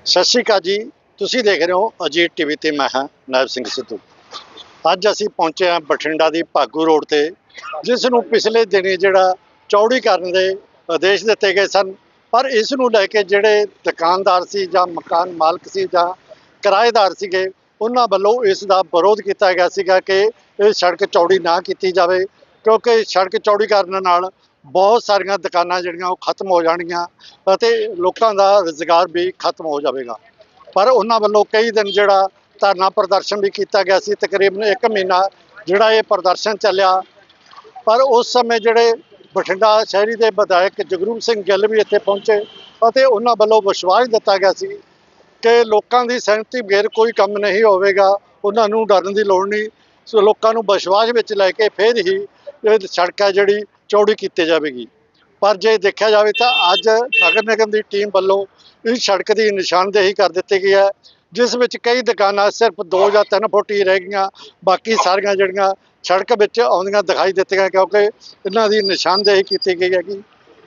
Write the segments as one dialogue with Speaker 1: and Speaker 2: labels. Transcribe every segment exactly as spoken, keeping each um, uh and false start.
Speaker 1: ਸਤਿ ਸ਼੍ਰੀ ਅਕਾਲ ਜੀ। ਤੁਸੀਂ ਦੇਖ ਰਹੇ ਹੋ ਅਜੀਤ ਟੀਵੀ ਤੇ ਮੈਂ ਹਾਂ ਨਾਇਬ ਸਿੰਘ ਸਿੱਧੂ। ਅੱਜ ਅਸੀਂ ਪਹੁੰਚੇ ਹਾਂ ਬਠਿੰਡਾ ਦੀ ਭਾਗੂ ਰੋਡ ਤੇ, ਜਿਸ ਨੂੰ ਪਿਛਲੇ ਦਿਨੀ ਜਿਹੜਾ ਚੌੜੀਕਰਨ ਦੇ ਆਦੇਸ਼ ਦਿੱਤੇ ਗਏ ਸਨ, ਪਰ ਇਸ ਨੂੰ ਲੈ ਕੇ ਜਿਹੜੇ ਦੁਕਾਨਦਾਰ ਸੀ ਜਾਂ ਮਕਾਨ ਮਾਲਕ ਸੀ ਜਾਂ ਕਿਰਾਏਦਾਰ ਸੀਗੇ, ਉਹਨਾਂ ਵੱਲੋਂ ਇਸ ਦਾ ਵਿਰੋਧ ਕੀਤਾ ਗਿਆ ਸੀਗਾ ਕਿ ਇਹ ਸੜਕ ਚੌੜੀ ਨਾ ਕੀਤੀ ਜਾਵੇ, ਕਿਉਂਕਿ ਸੜਕ ਚੌੜੀ ਕਰਨ ਨਾਲ ਬਹੁਤ ਸਾਰੀਆਂ ਦੁਕਾਨਾਂ ਜਿਹੜੀਆਂ ਉਹ ਖਤਮ ਹੋ ਜਾਣਗੀਆਂ ਅਤੇ ਲੋਕਾਂ ਦਾ ਰੁਜ਼ਗਾਰ ਵੀ ਖਤਮ ਹੋ ਜਾਵੇਗਾ। ਪਰ ਉਹਨਾਂ ਵੱਲੋਂ ਕਈ ਦਿਨ ਜਿਹੜਾ ਧਰਨਾ ਪ੍ਰਦਰਸ਼ਨ ਵੀ ਕੀਤਾ ਗਿਆ ਸੀ, ਤਕਰੀਬਨ ਇੱਕ ਮਹੀਨਾ ਜਿਹੜਾ ਇਹ ਪ੍ਰਦਰਸ਼ਨ ਚੱਲਿਆ। ਪਰ ਉਸ ਸਮੇਂ ਜਿਹੜੇ ਬਠਿੰਡਾ ਸ਼ਹਿਰੀ ਦੇ ਵਿਧਾਇਕ ਜਗਰੂਪ ਸਿੰਘ ਗਿੱਲ ਵੀ ਇੱਥੇ ਪਹੁੰਚੇ ਅਤੇ ਉਹਨਾਂ ਵੱਲੋਂ ਵਿਸ਼ਵਾਸ ਦਿੱਤਾ ਗਿਆ ਸੀ ਕਿ ਲੋਕਾਂ ਦੀ ਸਹਿਮਤੀ ਬਗੈਰ ਕੋਈ ਕੰਮ ਨਹੀਂ ਹੋਵੇਗਾ, ਉਹਨਾਂ ਨੂੰ ਡਰਨ ਦੀ ਲੋੜ ਨਹੀਂ। ਸੋ ਲੋਕਾਂ ਨੂੰ ਵਿਸ਼ਵਾਸ ਵਿੱਚ ਲੈ ਕੇ ਫਿਰ ਹੀ ਇਹ ਸੜਕ ਹੈ ਜਿਹੜੀ ਚੌੜੀ ਕੀਤੀ ਜਾਵੇਗੀ। ਪਰ ਜੇ ਦੇਖਿਆ ਜਾਵੇ ਤਾਂ ਅੱਜ ਨਗਰ ਨਿਗਮ ਦੀ ਟੀਮ ਵੱਲੋਂ ਇਸ ਸੜਕ ਦੀ ਨਿਸ਼ਾਨਦੇਹੀ ਕਰ ਦਿੱਤੀ ਗਈ ਹੈ, ਜਿਸ ਵਿੱਚ ਕਈ ਦੁਕਾਨਾਂ ਸਿਰਫ ਦੋ ਜਾਂ ਤਿੰਨ ਫੁੱਟ ਹੀ ਰਹਿ ਗਈਆਂ, ਬਾਕੀ ਸਾਰੀਆਂ ਜਿਹੜੀਆਂ ਸੜਕ ਵਿੱਚ ਆਉਂਦੀਆਂ ਦਿਖਾਈ ਦਿੱਤੀਆਂ, ਕਿਉਂਕਿ ਇਹਨਾਂ ਦੀ ਨਿਸ਼ਾਨਦੇਹੀ ਕੀਤੀ ਗਈ ਹੈਗੀ।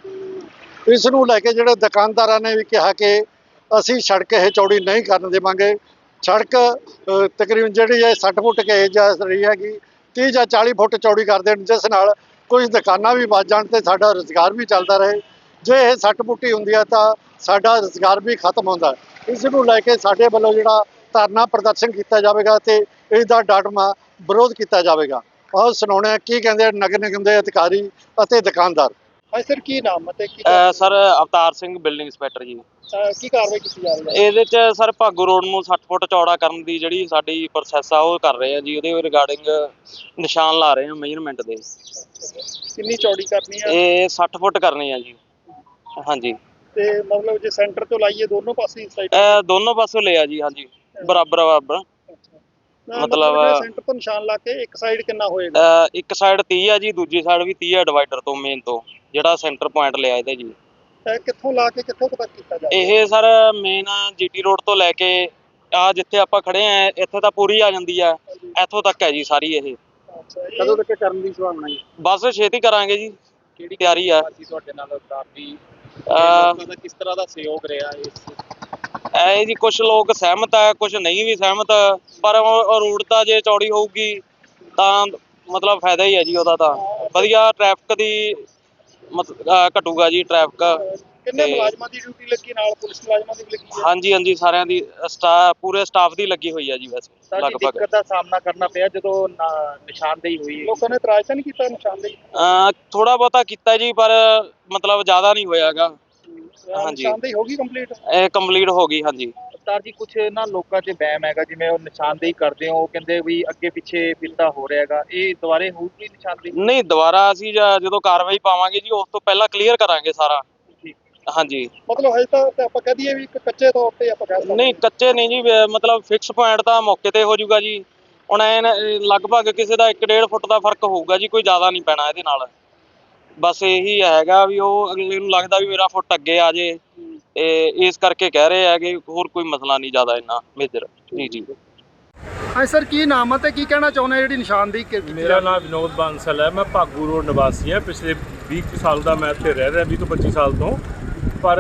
Speaker 1: ਇਸ ਨੂੰ ਲੈ ਕੇ ਜਿਹੜੇ ਦੁਕਾਨਦਾਰਾਂ ਨੇ ਵੀ ਕਿਹਾ ਕਿ ਅਸੀਂ ਸੜਕ ਇਹ ਚੌੜੀ ਨਹੀਂ ਕਰਨ ਦੇਵਾਂਗੇ। ਸੜਕ ਤਕਰੀਬਨ ਜਿਹੜੀ ਹੈ ਸੱਠ ਫੁੱਟ ਕੇ ਜਾ ਰਹੀ ਹੈਗੀ, ਤੀਹ ਜਾਂ ਚਾਲੀ ਫੁੱਟ ਚੌੜੀ ਕਰ ਦੇਣ, ਜਿਸ ਨਾਲ ਕੁਝ ਦੁਕਾਨਾਂ ਵੀ ਵੱਜ ਜਾਣ ਤੇ ਸਾਡਾ ਰੁਜ਼ਗਾਰ ਵੀ ਚੱਲਦਾ ਰਹੇ। ਜੇ ਇਹ ਸੱਠ ਫੁੱਟ ਹੀ ਹੁੰਦੀ ਹੈ ਤਾਂ ਸਾਡਾ ਰੁਜ਼ਗਾਰ ਵੀ ਖਤਮ ਹੁੰਦਾ। ਇਸ ਨੂੰ ਲੈ ਕੇ ਸਾਡੇ ਵੱਲੋਂ ਜਿਹੜਾ ਧਰਨਾ ਪ੍ਰਦਰਸ਼ਨ ਕੀਤਾ ਜਾਵੇਗਾ ਤੇ ਇਸ ਦਾ ਡਟਵਾਂ ਵਿਰੋਧ ਕੀਤਾ ਜਾਵੇਗਾ। ਆਓ ਸੁਣਾਉਂਦੇ ਹਾਂ ਕੀ ਕਹਿੰਦੇ ਨਗਰ ਨਿਗਮ ਦੇ ਅਧਿਕਾਰੀ ਅਤੇ ਦੁਕਾਨਦਾਰ। ਹਾਂਜੀ ਸਰ, ਕੀ ਨਾਮ ਅਤੇ ਕੀ
Speaker 2: sir Avtar Singh, building inspector ji.
Speaker 1: ਕੀ ਕਾਰਵਾਈ ਕੀਤੀ ਜਾ ਰਹੀ ਹੈ?
Speaker 2: ਇਹਦੇ ਚ ਸਰ ਭਾਗੂ ਰੋਡ ਨੂੰ ਸੱਠ ਫੁੱਟ ਚੌੜਾ ਕਰਨ ਦੀ ਜਿਹੜੀ ਸਾਡੀ ਪ੍ਰੋਸੈਸ ਆ ਉਹ ਕਰ ਰਹੇ ਆ ਜੀ। ਉਹਦੇ ਰਿਗਾਰਡਿੰਗ ਨਿਸ਼ਾਨ ਲਾ ਰਹੇ ਆ ਮੇਜਰਮੈਂਟ ਦੇ।
Speaker 1: ਕਿੰਨੀ ਚੌੜੀ ਕਰਨੀ ਹੈ?
Speaker 2: ਇਹ ਸੱਠ ਫੁੱਟ ਕਰਨੀ ਆ ਜੀ। ਹਾਂਜੀ,
Speaker 1: ਤੇ ਮਤਲਬ ਜੇ ਸੈਂਟਰ ਤੋਂ ਲਾਈਏ ਦੋਨੋਂ ਪਾਸੇ ਸਾਈਡ?
Speaker 2: ਇਹ ਦੋਨੋਂ ਪਾਸੋਂ ਲਿਆ ਜੀ। ਹਾਂਜੀ, ਬਰਾਬਰ ਬਰਾਬਰ। ਮਤਲਬ
Speaker 1: ਸੈਂਟਰ ਤੋਂ ਨਿਸ਼ਾਨ ਲਾ ਕੇ ਇੱਕ ਸਾਈਡ ਕਿੰਨਾ ਹੋਏਗਾ?
Speaker 2: ਇੱਕ ਸਾਈਡ ਤੀਹ ਆ ਜੀ, ਦੂਜੀ ਸਾਈਡ ਵੀ ਤੀਹ ਆ, ਡਿਵਾਈਡਰ ਤੋਂ ਮੇਨ ਤੋਂ ਜਿਹੜਾ ਸੈਂਟਰ ਪੁਆਇੰਟ ਲਿਆ ਇਹਦੇ ਜੀ।
Speaker 1: ਕਿੱਥੋਂ ਲਾ ਕੇ ਕਿੱਥੋਂ ਤੱਕ ਕੀਤਾ ਜਾਵੇ?
Speaker 2: ਇਹ ਸਰ ਮੇਨ ਜੀਟੀ ਰੋਡ ਤੋਂ ਲੈ ਕੇ ਆ ਜਿੱਥੇ ਆਪਾਂ ਖੜੇ ਆ ਇੱਥੇ ਤਾਂ ਪੂਰੀ ਆ ਜਾਂਦੀ ਆ, ਇੱਥੋਂ ਤੱਕ ਹੈ ਜੀ ਸਾਰੀ। ਇਹ
Speaker 1: ਕਦੋਂ ਤੱਕ ਕਰਨ ਦੀ ਸੰਭਾਵਨਾ ਹੈ?
Speaker 2: ਬਸ ਛੇਤੀ ਕਰਾਂਗੇ ਜੀ, ਕਿਹੜੀ ਤਿਆਰੀ ਆ।
Speaker 3: ਅਸੀਂ ਤੁਹਾਡੇ ਨਾਲ ਕਾਫੀ ਲੋਕਾਂ ਦਾ ਕਿਸ ਤਰ੍ਹਾਂ ਦਾ ਸਹਿਯੋਗ ਰਿਹਾ ਇਸ?
Speaker 2: ਇਹ ਜੀ ਕੁਝ ਲੋਕ ਸਹਿਮਤ ਆ, ਕੁਝ ਨਹੀਂ ਵੀ ਸਹਿਮਤ, ਪਰ ਰੋਡ ਤਾਂ ਜੇ ਚੌੜੀ ਹੋਊਗੀ ਤਾਂ ਮਤਲਬ ਫਾਇਦਾ ਹੀ ਹੈ ਜੀ ਉਹਦਾ। ਤਾਂ ਵਧੀਆ ਟ੍ਰੈਫਿਕ ਦੀ ਮਤਲਬ ਘਟੂਗਾ ਜੀ ਟ੍ਰੈਫਿਕ।
Speaker 1: ਕਿੰਨੇ ਮੁਲਾਜ਼ਮਾਂ ਦੀ ਡਿਊਟੀ ਲੱਗੀ ਨਾਲ? ਪੁਲਿਸ ਮੁਲਾਜ਼ਮਾਂ ਦੀ ਵੀ ਲੱਗੀ ਹੈ?
Speaker 2: ਹਾਂਜੀ ਹਾਂਜੀ, ਸਾਰਿਆਂ ਦੀ ਸਟਾਫ ਪੂਰੇ ਸਟਾਫ ਦੀ ਲੱਗੀ ਹੋਈ ਹੈ ਜੀ। ਵੈਸੇ
Speaker 3: ਲਗਭਗ ਦਿੱਕਤ ਦਾ ਸਾਹਮਣਾ ਕਰਨਾ ਪਿਆ ਜਦੋਂ ਨਿਸ਼ਾਨਦੇਹੀ ਹੋਈ?
Speaker 1: ਲੋਕਾਂ ਨੇ ਇਤਰਾਜ਼ ਤਾਂ ਨਹੀਂ ਕੀਤਾ ਨਿਸ਼ਾਨਦੇਹੀ?
Speaker 2: ਥੋੜਾ ਬਹੁਤਾ ਕੀਤਾ ਜੀ, ਪਰ ਮਤਲਬ ਜ਼ਿਆਦਾ ਨਹੀਂ ਹੋਇਆ ਹੈਗਾ। ਹਾਂਜੀ,
Speaker 1: ਨਿਸ਼ਾਨਦੇਹੀ ਹੋ ਗਈ ਕੰਪਲੀਟ?
Speaker 2: ਇਹ ਕੰਪਲੀਟ ਹੋ ਗਈ। ਹਾਂਜੀ
Speaker 3: ਅਵਤਾਰ ਜੀ, ਕੁਝ ਨਾ ਲੋਕਾਂ 'ਚ ਵਹਿਮ ਹੈਗਾ, ਜਿਵੇਂ ਉਹ ਨਿਸ਼ਾਨਦੇਹੀ ਕਰਦੇ ਹੋ, ਉਹ ਕਹਿੰਦੇ ਵੀ ਅੱਗੇ ਪਿੱਛੇ ਫਿਰਦਾ ਹੋ ਰਿਹਾ ਹੈਗਾ, ਇਹ ਦੁਬਾਰੇ ਹੋਊਗੀ ਨਿਸ਼ਾਨਦੇਹੀ?
Speaker 2: ਨਹੀਂ, ਦੁਬਾਰਾ ਅਸੀਂ ਜਦੋਂ ਕਾਰਵਾਈ ਪਾਵਾਂਗੇ ਜੀ ਉਸ ਤੋਂ ਪਹਿਲਾਂ ਕਲੀਅਰ ਕਰਾਂਗੇ ਸਾਰਾ। ਹਾਂਜੀ,
Speaker 1: ਮਤਲਬ ਹਜੇ ਤਾਂ ਆਪਾਂ ਕਹਿ ਦਈਏ ਵੀ ਕੱਚੇ ਤੌਰ ਤੇ ਆਪਾਂ ਕਹਿ ਸਕਦੇ?
Speaker 2: ਨਹੀਂ, ਕੱਚੇ ਨਹੀਂ ਜੀ, ਮਤਲਬ ਫਿਕਸ ਪੁਆਇੰਟ ਤਾਂ ਮੌਕੇ ਤੇ ਹੋ ਜਾਊਗਾ ਜੀ। ਹੁਣ ਐ ਲਗਭਗ ਕਿਸੇ ਦਾ ਇੱਕ ਡੇਢ ਫੁੱਟ ਦਾ ਫਰਕ ਹੋਊਗਾ ਜੀ, ਕੋਈ ਜ਼ਿਆਦਾ ਨਹੀਂ ਪੈਣਾ ਇਹਦੇ ਨਾਲ। ਬਸ ਇਹੀ ਹੈਗਾ ਵੀ ਉਹ ਅਗਲੇ ਨੂੰ ਲੱਗਦਾ ਵੀ ਮੇਰਾ ਫੁੱਟ ਅੱਗੇ ਆ ਜੇ, ਤੇ ਇਸ ਕਰਕੇ ਕਹਿ ਰਹੇ ਆ ਕਿ ਹੋਰ ਕੋਈ ਮਸਲਾ ਨਹੀਂ ਜ਼ਿਆਦਾ ਇੰਨਾ ਮੇਜਰ। ਜੀ ਜੀ।
Speaker 1: ਹਾਂ ਸਰ, ਕੀ ਨਾਮ ਹੈ ਤੇ ਕੀ ਕਹਿਣਾ ਚਾਹੁੰਦੇ ਜਿਹੜੀ ਨਿਸ਼ਾਨਦੇਹੀ ਕੀਤੀ?
Speaker 4: ਮੇਰਾ ਨਾਮ ਵਿਨੋਦ ਬਾਂਸਲ ਹੈ, ਮੈਂ ਭਾਗੂ ਰੋਡ ਨਿਵਾਸੀ ਹਾਂ। ਪਿਛਲੇ ਵੀਹ ਸਾਲ ਦਾ ਮੈਂ ਇੱਥੇ ਰਹਿ ਰਿਹਾ, ਵੀਹ ਤੋਂ ਪੱਚੀ ਸਾਲ ਤੋਂ। ਪਰ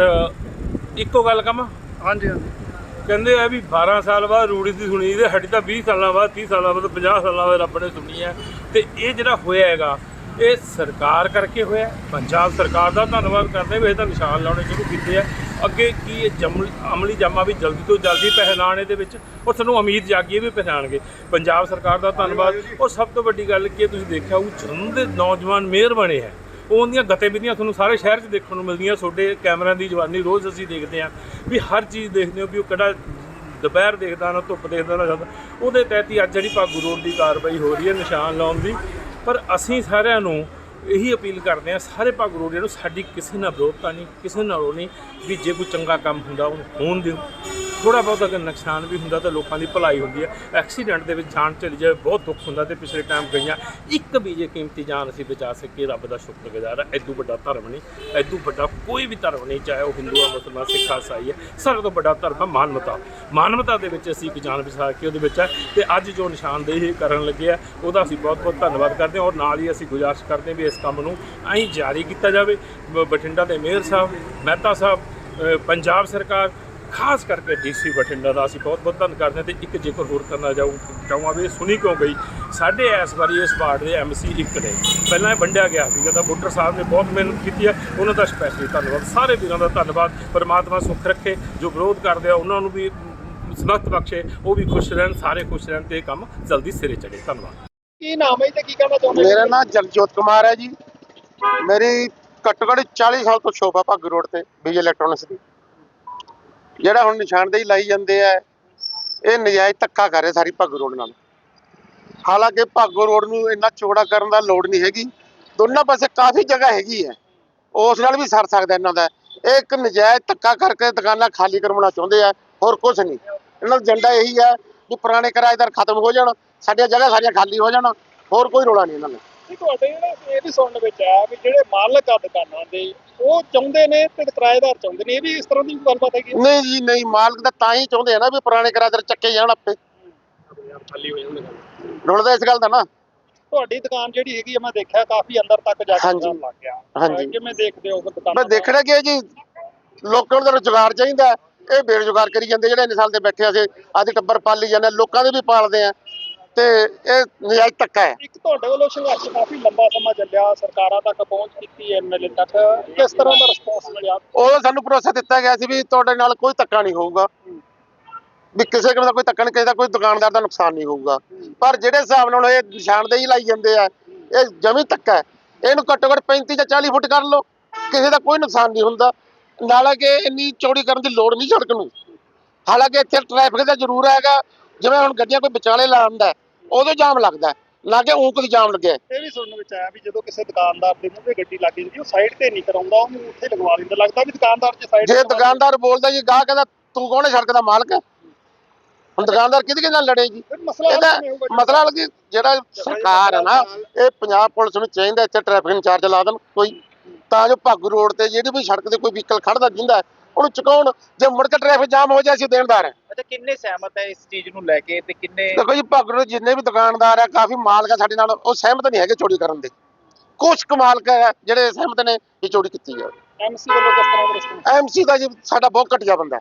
Speaker 4: ਇੱਕੋ ਗੱਲ ਕਹਾਂ,
Speaker 1: ਹਾਂਜੀ ਹਾਂਜੀ,
Speaker 4: ਕਹਿੰਦੇ ਆ ਵੀ ਬਾਰਾਂ ਸਾਲ ਬਾਅਦ ਰੂੜੀ ਦੀ ਸੁਣੀ, ਤੇ ਸਾਡੀ ਤਾਂ ਵੀਹ ਸਾਲਾਂ ਬਾਅਦ, ਤੀਹ ਸਾਲਾਂ ਬਾਅਦ, ਪੰਜਾਹ ਸਾਲਾਂ ਬਾਅਦ ਰੱਬ ਨੇ ਸੁਣੀ ਹੈ। ਤੇ ਇਹ ਜਿਹੜਾ ਹੋਇਆ ਹੈਗਾ ਇਹ ਸਰਕਾਰ ਕਰਕੇ ਹੋਇਆ। ਪੰਜਾਬ ਸਰਕਾਰ ਦਾ ਧੰਨਵਾਦ ਕਰਦੇ ਵੀ ਇਹ ਤਾਂ ਨਿਸ਼ਾਨ ਲਾਉਣੇ ਸ਼ੁਰੂ ਕੀਤੇ ਆ। ਅੱਗੇ ਕੀ ਇਹ ਜਮ ਅਮਲੀ ਜਾਮਾ ਵੀ ਜਲਦੀ ਤੋਂ ਜਲਦੀ ਪਹਿਨਾਣ ਇਹਦੇ ਵਿੱਚ, ਔਰ ਸਾਨੂੰ ਉਮੀਦ ਜਾਗੀ ਵੀ ਪਹਿਨਾਣਗੇ। ਪੰਜਾਬ ਸਰਕਾਰ ਦਾ ਧੰਨਵਾਦ। ਔਰ ਸਭ ਤੋਂ ਵੱਡੀ ਗੱਲ ਕੀ ਤੁਸੀਂ ਦੇਖਿਆ ਉਹ ਜਲੰਧਰ ਦੇ ਨੌਜਵਾਨ ਮੇਅਰ ਬਣੇ ਹੈ, ਉਹਦੀਆਂ ਗਤੀਵਿਧੀਆਂ ਤੁਹਾਨੂੰ ਸਾਰੇ ਸ਼ਹਿਰ 'ਚ ਦੇਖਣ ਨੂੰ ਮਿਲਦੀਆਂ। ਤੁਹਾਡੇ ਕੈਮਰਿਆਂ ਦੀ ਜਵਾਨੀ ਰੋਜ਼ ਅਸੀਂ ਦੇਖਦੇ ਹਾਂ ਵੀ ਹਰ ਚੀਜ਼ ਦੇਖਦੇ ਹੋ ਵੀ ਉਹ ਕਿਹੜਾ ਦੁਪਹਿਰ ਦੇਖਦਾ ਨਾ ਧੁੱਪ ਦੇਖਦਾ ਨਾ ਜਾਂਦਾ। ਉਹਦੇ ਤਹਿਤ ਹੀ ਅੱਜ ਜਿਹੜੀ ਭਾਗੂ ਰੋਡ ਦੀ ਕਾਰਵਾਈ ਹੋ ਰਹੀ ਹੈ ਨਿਸ਼ਾਨ ਲਾਉਣ ਦੀ। ਪਰ ਅਸੀਂ ਸਾਰਿਆਂ ਨੂੰ ਇਹੀ ਅਪੀਲ ਕਰਦੇ ਹਾਂ, ਸਾਰੇ ਭਾਗੂ ਰੋਡ ਨੂੰ, ਸਾਡੀ ਕਿਸੇ ਨਾਲ ਵਿਰੋਧਤਾ ਨਹੀਂ, ਕਿਸੇ ਨਾਲ ਉਹ ਨਹੀਂ ਵੀ ਜੇ ਕੋਈ ਚੰਗਾ ਕੰਮ ਹੁੰਦਾ ਉਹਨੂੰ ਹੋਣ ਦਿਓ। ਥੋੜ੍ਹਾ ਬਹੁਤ ਅਗਰ ਨੁਕਸਾਨ ਵੀ ਹੁੰਦਾ ਤਾਂ ਲੋਕਾਂ ਦੀ ਭਲਾਈ ਹੁੰਦੀ ਹੈ। ਐਕਸੀਡੈਂਟ ਦੇ ਵਿੱਚ ਜਾਨ ਚਲੀ ਜਾਵੇ ਬਹੁਤ ਦੁੱਖ ਹੁੰਦਾ, ਤੇ ਪਿਛਲੇ ਟਾਈਮ ਗਈਆਂ ਇੱਕ ਵੀ ਜੇ ਕੀਮਤੀ ਜਾਨ ਅਸੀਂ ਬਚਾ ਸਕੀਏ ਰੱਬ ਦਾ ਸ਼ੁਕਰਗੁਜ਼ਾਰ ਹੈ। ਐਦੂ ਵੱਡਾ ਧਰਮ ਨਹੀਂ, ਐਦੂ ਵੱਡਾ ਕੋਈ ਵੀ ਧਰਮ ਨਹੀਂ, ਚਾਹੇ ਉਹ ਹਿੰਦੂ ਆ, ਮੁਸਲਮਾਨ, ਸਿੱਖ, ਈਸਾਈ ਹੈ। ਸਾਰਿਆਂ ਤੋਂ ਵੱਡਾ ਧਰਮ ਹੈ ਮਾਨਵਤਾ। ਮਾਨਵਤਾ ਦੇ ਵਿੱਚ ਅਸੀਂ ਇੱਕ ਜਾਨ ਬਚਾ ਕੇ ਉਹਦੇ ਵਿੱਚ ਹੈ। ਤੇ ਅੱਜ ਜੋ ਨਿਸ਼ਾਨਦੇਹੀ ਕਰਨ ਲੱਗੇ ਆ ਉਹਦਾ ਅਸੀਂ ਬਹੁਤ ਬਹੁਤ ਧੰਨਵਾਦ ਕਰਦੇ ਹਾਂ। ਔਰ ਨਾਲ ਹੀ ਅਸੀਂ ਗੁਜ਼ਾਰਿਸ਼ ਕਰਦੇ ਹਾਂ ਵੀ ਇਸ ਕੰਮ ਨੂੰ ਐਂ ਜਾਰੀ ਕੀਤਾ ਜਾਵੇ। ਬਠਿੰਡਾ ਦੇ ਮੇਅਰ ਸਾਹਿਬ, ਮਹਿਤਾ ਸਾਹਿਬ, ਪੰਜਾਬ ਸਰਕਾਰ, ਖਾਸ ਕਰਕੇ ਡੀਸੀ ਬਠਿੰਡਾ ਦਾ ਅਸੀਂ ਬਹੁਤ ਬਹੁਤ ਧੰਨ ਕਰਦੇ ਹਾਂ। ਤੇ ਇੱਕ ਜ਼ਿਕਰ ਹੋਰ ਕਰਨਾ ਜਾਊ ਚਾਹਾਂਗਾ ਵੀ ਸੁਣੀ ਕਿਉਂ ਗਈ, ਸਾਡੇ ਇਸ ਵਾਰੀ ਇਸ ਵਾਰਡ ਦੇ ਐਮਸੀ ਇੱਕ ਨੇ, ਪਹਿਲਾਂ ਇਹ ਵੰਡਿਆ ਗਿਆ ਸੀਗਾ ਤਾਂ ਬੁੱਟਰ ਸਾਹਿਬ ਨੇ ਬਹੁਤ ਮਿਹਨਤ ਕੀਤੀ ਹੈ, ਉਹਨਾਂ ਦਾ ਸਪੈਸ਼ਲੀ ਧੰਨਵਾਦ। ਸਾਰੇ ਵੀਰਾਂ ਦਾ ਧੰਨਵਾਦ। ਪਰਮਾਤਮਾ ਸੁੱਖ ਰੱਖੇ, ਜੋ ਵਿਰੋਧ ਕਰਦੇ ਆ ਉਹਨਾਂ ਨੂੰ ਵੀ ਸਮਰਥ ਬਖਸ਼ੇ, ਉਹ ਵੀ ਖੁਸ਼ ਰਹਿਣ, ਸਾਰੇ ਖੁਸ਼ ਰਹਿਣ ਤੇ ਇਹ ਕੰਮ ਜਲਦੀ ਸਿਰੇ ਚੜੇ। ਧੰਨਵਾਦ।
Speaker 3: ਕੀ ਨਾਮ ਹੈ ਤੇ ਕੀ ਕਹਿਣਾ ਚਾਹੁੰਦੇ?
Speaker 5: ਮੇਰਾ ਨਾਮ ਜਗਜੋਤ ਕੁਮਾਰ ਹੈ ਜੀ। ਮੇਰੀ ਘੱਟੋ ਘੱਟ ਚਾਲੀ ਸਾਲ ਤੋਂ ਸ਼ੋਪ ਆ ਭਾਗੂ ਰੋਡ ਤੇ ਬੀਜ ਇਲੈਕਟ੍ਰੋਨਿਕਸ ਦੀ। ਜਿਹੜਾ ਹੁਣ ਨਿਸ਼ਾਨਦੇਹੀ ਲਾਈ ਜਾਂਦੇ ਆ, ਇਹ ਨਜਾਇਜ਼ ਧੱਕਾ ਕਰ ਰਹੇ ਸਾਰੀ ਭਾਗੂ ਰੋਡ ਨਾਲ। ਹਾਲਾਂਕਿ ਭਾਗੂ ਰੋਡ ਨੂੰ ਇੰਨਾ ਚੌੜਾ ਕਰਨ ਦਾ ਲੋੜ ਨਹੀਂ ਹੈਗੀ, ਦੋਨਾਂ ਪਾਸੇ ਕਾਫੀ ਜਗ੍ਹਾ ਹੈਗੀ ਹੈ, ਉਸ ਨਾਲ ਵੀ ਸਰ ਸਕਦਾ ਇਹਨਾਂ ਦਾ। ਇਹ ਇੱਕ ਨਜਾਇਜ਼ ਧੱਕਾ ਕਰਕੇ ਦੁਕਾਨਾਂ ਖਾਲੀ ਕਰਵਾਉਣਾ ਚਾਹੁੰਦੇ ਆ, ਹੋਰ ਕੁਝ ਨਹੀਂ। ਇਹਨਾਂ ਦਾ ਏਜੰਡਾ ਇਹੀ ਹੈ ਕਿ ਪੁਰਾਣੇ ਕਿਰਾਏਦਾਰ ਖਤਮ ਹੋ ਜਾਣ, ਸਾਡੀਆਂ ਜਗ੍ਹਾ ਸਾਰੀਆਂ ਖਾਲੀ ਹੋ ਜਾਣ, ਹੋਰ ਕੋਈ ਰੌਲਾ ਨਹੀਂ ਇਹਨਾਂ ਦਾ।
Speaker 3: ਤੁਹਾਡੇ ਇਹ ਵੀ ਸੁਣਨ ਵਿੱਚ ਆਇਆ ਵੀ ਜਿਹੜੇ ਮਾਲਕ ਆ ਦੁਕਾਨਾਂ ਦੇ ਉਹ ਚਾਹੁੰਦੇ ਨੇ ਤੇ ਕਿਰਾਏਦਾਰ ਚਾਹੁੰਦੇ ਨੇ, ਇਹ ਵੀ ਇਸ ਤਰ੍ਹਾਂ ਦੀ ਗੱਲਬਾਤ ਹੈਗੀ?
Speaker 5: ਨਹੀਂ ਜੀ ਨਹੀਂ, ਮਾਲਕ ਤਾਂ ਤਾਂ ਹੀ ਚਾਹੁੰਦੇ ਆ ਨਾ ਵੀ ਪੁਰਾਣੇ ਕਿਰਾਏਦਾਰ ਚੱਕੇ ਜਾਣ, ਆਪੇ
Speaker 3: ਖਾਲੀ ਹੋ ਜਾਣ।
Speaker 5: ਰੁਲਦਾ ਇਸ ਗੱਲ ਦਾ ਨਾ।
Speaker 3: ਤੁਹਾਡੀ ਦੁਕਾਨ ਜਿਹੜੀ ਹੈਗੀ ਆ, ਮੈਂ ਦੇਖਿਆ ਕਾਫੀ ਅੰਦਰ ਤੱਕ ਜਾ ਕੇ
Speaker 5: ਹਾਂਜੀ।
Speaker 3: ਜਾਣ ਲੱਗ ਗਿਆ।
Speaker 5: ਹਾਂਜੀ।
Speaker 3: ਕਿਵੇਂ ਦੇਖਦੇ ਹੋ ਦੁਕਾਨ?
Speaker 5: ਮੈਂ ਦੇਖਣਾ ਕਿ ਜੀ ਲੋਕਾਂ ਨੂੰ ਤਾਂ ਰੁਜ਼ਗਾਰ ਚਾਹੀਦਾ, ਇਹ ਬੇਰੁਜ਼ਗਾਰ ਕਰੀ ਜਾਂਦੇ। ਜਿਹੜੇ ਇੰਨੇ ਸਾਲ ਦੇ ਬੈਠੇ ਅਸੀਂ ਆਦੀ ਟੱਬਰ ਪਾਲੀ ਜਾਂਦੇ, ਲੋਕਾਂ ਦੇ ਵੀ ਪਾਲਦੇ ਆ, ਤੇ ਇਹ ਨਜਾਇਜ਼ ਧੱਕਾ ਹੈ।
Speaker 3: ਇੱਕ ਤੁਹਾਡੇ ਵੱਲੋਂ ਸੰਘਰਸ਼ ਕਾਫੀ ਲੰਬਾ ਸਮਾਂ ਚੱਲਿਆ, ਸਰਕਾਰਾਂ ਤੱਕ ਪਹੁੰਚ ਕੀਤੀ, ਐਮਐਲਏ ਤੱਕ, ਕਿਸ ਤਰ੍ਹਾਂ ਦਾ ਰਿਸਪੌਂਸ ਮਿਲਿਆ?
Speaker 5: ਉਦੋਂ ਸਾਨੂੰ ਭਰੋਸਾ ਦਿੱਤਾ ਗਿਆ ਸੀ ਵੀ ਤੁਹਾਡੇ ਨਾਲ ਕੋਈ ਧੱਕਾ ਨਹੀਂ ਹੋਊਗਾ, ਵੀ ਕਿਸੇ ਕਿਸਮ ਦਾ ਕੋਈ ਧੱਕਾ ਨਹੀਂ, ਕਿਸੇ ਦਾ ਕੋਈ ਦੁਕਾਨਦਾਰ ਦਾ ਨੁਕਸਾਨ ਨਹੀਂ ਹੋਊਗਾ। ਪਰ ਜਿਹੜੇ ਹਿਸਾਬ ਨਾਲ ਇਹ ਨਿਸ਼ਾਨਦੇਹੀ ਲਾਈ ਜਾਂਦੇ ਆ, ਇਹ ਜਮੀ ਧੱਕਾ ਹੈ। ਇਹਨੂੰ ਘੱਟੋ ਘੱਟ ਪੈਂਤੀ ਜਾਂ ਚਾਲੀ ਫੁੱਟ ਕਰ ਲਓ, ਕਿਸੇ ਦਾ ਕੋਈ ਨੁਕਸਾਨ ਨਹੀਂ ਹੁੰਦਾ। ਨਾਲੇ ਕਿ ਇੰਨੀ ਚੌੜੀ ਕਰਨ ਦੀ ਲੋੜ ਨਹੀਂ ਸੜਕ ਨੂੰ। ਹਾਲਾਂਕਿ ਇੱਥੇ ਟ੍ਰੈਫਿਕ ਦਾ ਜ਼ਰੂਰ ਹੈਗਾ, ਜਿਵੇਂ ਹੁਣ ਗੱਡੀਆਂ ਕੋਈ ਵਿਚਾਲੇ ਲਾਉਂਦਾ ਉਦੋਂ ਜਾਮ ਲੱਗਦਾ, ਨਾ ਕਿ ਊਂਕ ਦੀ ਜਾਮ ਲੱਗਿਆ।
Speaker 3: ਇਹ ਵੀ ਸੁਣਨ ਵਿੱਚ ਆਇਆ ਵੀ ਜਦੋਂ ਕਿਸੇ ਦੁਕਾਨਦਾਰ ਦੇ ਮੂਹਰੇ ਗੱਡੀ ਲੱਗ ਜਾਂਦੀ, ਉਹ ਸਾਈਡ ਤੇ ਨਹੀਂ ਕਰਾਉਂਦਾ, ਉਹਨੂੰ ਉੱਥੇ ਲਗਵਾ ਲੈਂਦਾ। ਲੱਗਦਾ ਵੀ ਦੁਕਾਨਦਾਰ ਜੇ ਸਾਈਡ
Speaker 5: ਜੇ ਦੁਕਾਨਦਾਰ ਬੋਲਦਾ ਜੀ, ਗਾਹ ਕਹਿੰਦਾ ਤੂੰ ਕੌਣ ਹੈ ਸੜਕ ਦਾ ਮਾਲਕ ਹੈ? ਹੁਣ ਦੁਕਾਨਦਾਰ ਕਿਹਦੇ ਨਾਲ ਲੜੇ ਜੀ? ਇਹਦਾ ਮਤਲਬ ਕਿ ਜਿਹੜਾ ਸਰਕਾਰ ਹੈ ਨਾ, ਇਹ ਪੰਜਾਬ ਪੁਲਿਸ ਨੂੰ ਚਾਹੀਦਾ ਇੱਥੇ ਟ੍ਰੈਫਿਕ ਇੰਚਾਰਜ ਲਾ ਦੇਣ ਕੋਈ, ਤਾਂ ਜੋ ਭਾਗੂ ਰੋਡ ਤੇ ਜਿਹੜੀ ਵੀ ਸੜਕ ਤੇ ਕੋਈ ਵਹੀਕਲ ਖੜਦਾ ਜਿੰਦਾ ਉਹਨੂੰ ਚੁਕਾਉਣ। ਜੇ ਮੁੜ ਕੇ ਟ੍ਰੈਫਿਕ ਜਾਮ ਹੋ ਜਾਏ, ਅਸੀਂ ਦੇਣਦਾਰ ਹਾਂ।
Speaker 3: ਅੱਛਾ, ਕਿੰਨੇ ਸਹਿਮਤ ਹੈ ਇਸ ਚੀਜ਼ ਨੂੰ ਲੈ ਕੇ ਤੇ ਕਿੰਨੇ?
Speaker 5: ਦੇਖੋ ਜੀ, ਭਾਗੂ ਰੋਡ ਜਿੰਨੇ ਵੀ ਦੁਕਾਨਦਾਰ ਆ, ਕਾਫੀ ਮਾਲਕ ਆ ਸਾਡੇ ਨਾਲ, ਉਹ ਸਹਿਮਤ ਨਹੀਂ ਹੈਗੇ ਚੋਰੀ ਕਰਨ ਦੇ। ਕੁਛ ਕੁ ਮਾਲਕ ਹੈ ਜਿਹੜੇ ਸਹਿਮਤ ਨੇ ਇਹ ਚੋਰੀ ਕੀਤੀ ਜਾਵੇ।
Speaker 3: ਐਮਸੀ ਵੱਲੋਂ ਕਿਸ ਤਰ੍ਹਾਂ ਦਾ ਰਿਸਪੌਂਸ?
Speaker 5: ਐਮਸੀ ਦਾ ਜੀ ਸਾਡਾ ਬਹੁਤ ਘਟੀਆ ਬੰਦਾ।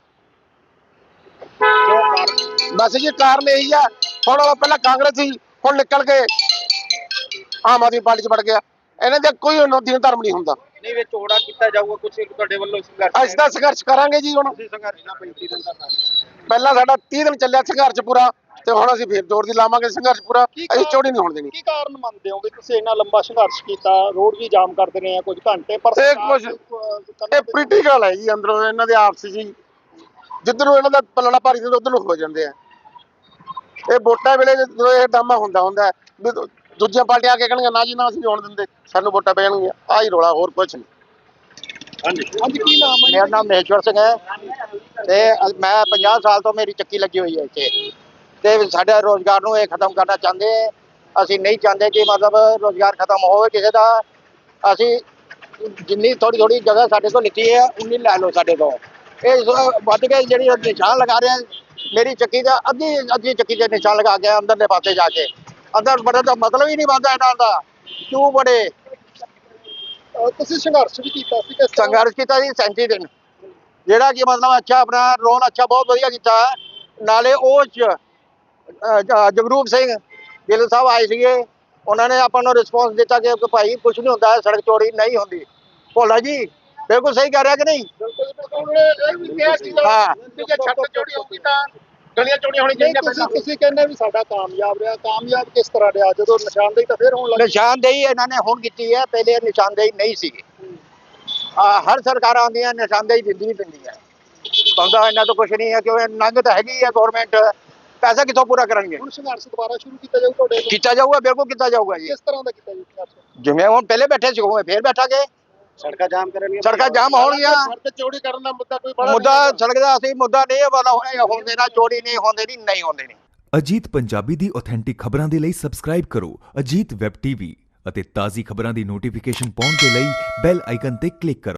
Speaker 5: ਬਸ ਜੀ ਕਾਰਨ ਇਹੀ ਆ, ਹੁਣ ਉਹ ਪਹਿਲਾਂ ਕਾਂਗਰਸ ਸੀ, ਹੁਣ ਨਿਕਲ ਕੇ ਆਮ ਆਦਮੀ ਪਾਰਟੀ 'ਚ ਵੜ ਗਿਆ। ਇਹਨਾਂ ਦਾ ਕੋਈ ਦੀਨ ਧਰਮ ਨਹੀਂ ਹੁੰਦਾ।
Speaker 3: ਨਹੀਂ ਵੇ ਚੋੜਾ ਕੀਤਾ ਜਾਊਗਾ ਕੁਝ ਤੁਹਾਡੇ ਵੱਲੋਂ ਸੰਘਰਸ਼?
Speaker 5: ਅਸੀਂ ਤਾਂ ਸੰਘਰਸ਼ ਕਰਾਂਗੇ ਜੀ। ਹੁਣ
Speaker 3: ਸੰਘਰਸ਼ ਨਾ ਪੈਂਤੀ ਦਿਨ ਦਾ
Speaker 5: ਪਹਿਲਾਂ ਸਾਡਾ ਤੀਹ ਦਿਨ ਚੱਲਿਆ ਸੰਘਰਸ਼ ਪੂਰਾ, ਤੇ ਹੁਣ ਅਸੀਂ ਫੇਰ ਜ਼ੋਰ ਦੀ ਲਾਵਾਂਗੇ ਸੰਘਰਸ਼ ਪੂਰਾ। ਅਸੀਂ ਚੋਰੀ ਨਹੀਂ ਹੋਣ ਦੇਣੀ।
Speaker 3: ਕੀ ਕਾਰਨ ਮੰਨਦੇ ਹੋ ਵੀ ਤੁਸੀਂ ਇੰਨਾ ਲੰਬਾ ਸੰਘਰਸ਼ ਕੀਤਾ, ਰੋਡ ਵੀ ਜਾਮ ਕਰਦੇ ਰਹੇ ਆ ਕੁਝ ਘੰਟੇ, ਪਰ
Speaker 5: ਇਹ ਕੁਝ ਇਹ ਪੋਲੀਟੀਕਲ ਹੈ ਜੀ, ਅੰਦਰੋਂ ਇਹਨਾਂ ਦੇ ਆਪਸ ਜੀ, ਜਿੱਧਰੋਂ ਇਹਨਾਂ ਦਾ ਪੱਲੜਾ ਭਾਰੀ ਹੁੰਦਾ ਉਧਰ ਨੂੰ ਹੋ ਜਾਂਦੇ ਆ। ਇਹ ਵੋਟਾਂ ਵੇਲੇ ਜਦੋਂ ਇਹ ਡਰਾਮਾ ਹੁੰਦਾ ਹੁੰਦਾ ਵੀ ਦੂਜੀਆਂ ਪਾਰਟੀਆਂ ਆ ਕੇ ਕਹਿਣਗੀਆਂ ਨਾ ਜੀ ਨਾ ਅਸੀਂ ਹੋਣ ਦਿੰਦੇ, ਸਾਨੂੰ ਵੋਟਾਂ ਪੈ ਜਾਣਗੀਆਂ, ਆਹ ਹੀ ਰੌਲਾ, ਹੋਰ ਕੁਛ ਨਹੀਂ।
Speaker 3: ਹਾਂਜੀ ਹਾਂਜੀ, ਕੀ ਨਾਮ ਹੈ?
Speaker 6: ਮੇਰਾ ਨਾਮ ਮਹੇਸ਼ਵਰ ਸਿੰਘ ਹੈ ਤੇ ਮੈਂ ਪੰਜਾਹ ਸਾਲ ਤੋਂ ਮੇਰੀ ਚੱਕੀ ਲੱਗੀ ਹੋਈ ਹੈ ਇੱਥੇ, ਤੇ ਸਾਡੇ ਰੋਜ਼ਗਾਰ ਨੂੰ ਇਹ ਖਤਮ ਕਰਨਾ ਚਾਹੁੰਦੇ। ਅਸੀਂ ਨਹੀਂ ਚਾਹੁੰਦੇ ਕਿ ਮਤਲਬ ਰੋਜ਼ਗਾਰ ਖਤਮ ਹੋਵੇ ਕਿਸੇ ਦਾ। ਅਸੀਂ ਜਿੰਨੀ ਥੋੜੀ ਥੋੜੀ ਜਗ੍ਹਾ ਸਾਡੇ ਤੋਂ ਲਿੱਤੀ ਹੈ ਉਨੀ ਲੈ ਲਓ ਸਾਡੇ ਤੋਂ। ਇਹ ਵੱਧ ਕੇ ਜਿਹੜੀ ਨਿਸ਼ਾਨ ਲਗਾ ਰਹੇ, ਮੇਰੀ ਚੱਕੀ ਦਾ ਅੱਧੀ ਅੱਧੀ ਚੱਕੀ ਦੇ ਨਿਸ਼ਾਨ ਲਗਾ ਕੇ ਅੰਦਰਲੇ ਪਾਸੇ ਜਾ ਕੇ, ਅੰਦਰ ਬੜੇ ਦਾ ਮਤਲਬ ਹੀ ਨਹੀਂ ਬਣਦਾ ਇਹਨਾਂ ਦਾ। ਕਿਉਂ ਬੜੇ
Speaker 3: ਤੁਸੀਂ ਸੰਘਰਸ਼ ਵੀ ਕੀਤਾ ਸੀ? ਕਿਸ ਤਰ੍ਹਾਂ
Speaker 6: ਸੰਘਰਸ਼ ਕੀਤਾ ਜੀ ਸੈਂਤੀ ਦਿਨ, ਜਿਹੜਾ ਕਿ ਮਤਲਬ ਅੱਛਾ ਆਪਣਾ ਰੋਨ ਅੱਛਾ ਬਹੁਤ ਵਧੀਆ ਕੀਤਾ। ਨਾਲੇ ਉਹ ਜਗਰੂਪ ਸਿੰਘ ਗਿੱਲ ਸਾਹਿਬ ਆਏ ਸੀਗੇ, ਉਹਨਾਂ ਨੇ ਆਪਾਂ ਨੂੰ ਰਿਸਪੌਂਸ ਦਿੱਤਾ ਕਿ ਭਾਈ ਕੁਝ ਨਹੀਂ ਹੁੰਦਾ, ਸੜਕ ਚੋਰੀ ਨਹੀਂ ਹੁੰਦੀ। ਭੋਲਾ ਜੀ ਬਿਲਕੁਲ ਸਹੀ ਕਹਿ ਰਿਹਾ ਕਿ ਨਹੀਂ? ਹਾਂ,
Speaker 5: ਚੋਰੀ ਹੋਊਗੀ ਤਾਂ ਗਲੀਆਂ ਚੋਰੀਆਂ ਹੋਣੀ ਚਾਹੀਦੀਆਂ।
Speaker 3: ਤੁਸੀਂ ਤੁਸੀਂ ਕਹਿੰਦੇ ਵੀ ਸਾਡਾ ਕਾਮਯਾਬ ਰਿਹਾ, ਕਾਮਯਾਬ ਕਿਸ ਤਰ੍ਹਾਂ ਰਿਹਾ ਜਦੋਂ ਨਿਸ਼ਾਨਦੇਹੀ ਤਾਂ ਫਿਰ ਹੋਣ ਲੱਗੀ?
Speaker 6: ਨਿਸ਼ਾਨਦੇਹੀ ਇਹਨਾਂ ਨੇ ਹੁਣ ਕੀਤੀ ਹੈ, ਪਹਿਲੇ ਨਿਸ਼ਾਨਦੇਹੀ ਨਹੀਂ ਸੀਗੀ। ਹਰ ਸਰਕਾਰ ਆਉਂਦੀਆਂ ਨਿਸ਼ਾਨਦੇਹੀ ਦਿੰਦੀ ਹੀ ਦਿੰਦੀ ਹੈ, ਬੰਦਾ ਇਹਨਾਂ ਤੋਂ ਕੁਛ ਨਹੀਂ ਹੈ ਕਿਉਂ ਨੰਗ ਤਾਂ ਹੈਗੀ ਹੈ ਗਵਰਨਮੈਂਟ, ਪੈਸਾ ਕਿੱਥੋਂ ਪੂਰਾ ਕਰਨਗੇ?
Speaker 3: ਹੁਣ ਸੰਘਰਸ਼ ਦੁਬਾਰਾ ਸ਼ੁਰੂ ਕੀਤਾ ਜਾਊ ਤੁਹਾਡੇ?
Speaker 6: ਕੀਤਾ ਜਾਊਗਾ, ਬਿਲਕੁਲ ਕੀਤਾ ਜਾਊਗਾ ਜੀ।
Speaker 3: ਕਿਸ ਤਰ੍ਹਾਂ ਦਾ ਕੀਤਾ ਜੀ ਸੰਘਰਸ਼?
Speaker 6: ਜਿਵੇਂ ਹੁਣ ਪਹਿਲੇ ਬੈਠੇ ਸੀ ਉਵੇਂ ਫੇਰ ਬੈਠਾਂਗੇ।
Speaker 3: ਸੜਕਾਂ ਜਾਮ ਕਰਨਗੀਆਂ,
Speaker 6: ਸੜਕਾਂ ਜਾਮ ਹੋਣਗੀਆਂ।
Speaker 3: ਸੜਕ ਚੋਰੀ ਕਰਨ ਦਾ ਮੁੱਦਾ ਕੋਈ ਬੜਾ
Speaker 6: ਮੁੱਦਾ ਸੜਕ ਦਾ ਅਸੀਂ ਮੁੱਦਾ ਨਹੀਂ ਵਾਲਾ ਹੋਣ ਦੇਣਾ, ਚੋਰੀ ਨਹੀਂ ਹੋਣ ਦੇਣੀ, ਨਹੀਂ ਹੋਣ ਦੇਣੀ।
Speaker 7: ਅਜੀਤ ਪੰਜਾਬੀ ਦੀ ਆਥੈਂਟਿਕ ਖਬਰਾਂ ਦੇ ਲਈ ਸਬਸਕ੍ਰਾਈਬ ਕਰੋ ਅਜੀਤ ਵੈਬ ਟੀਵੀ ਅਤੇ ਤਾਜ਼ੀ ਖਬਰਾਂ ਦੀ ਨੋਟੀਫਿਕੇਸ਼ਨ ਪਾਉਣ ਦੇ ਲਈ ਬੈਲ ਆਈਕਨ ਤੇ ਕਲਿੱਕ ਕਰੋ।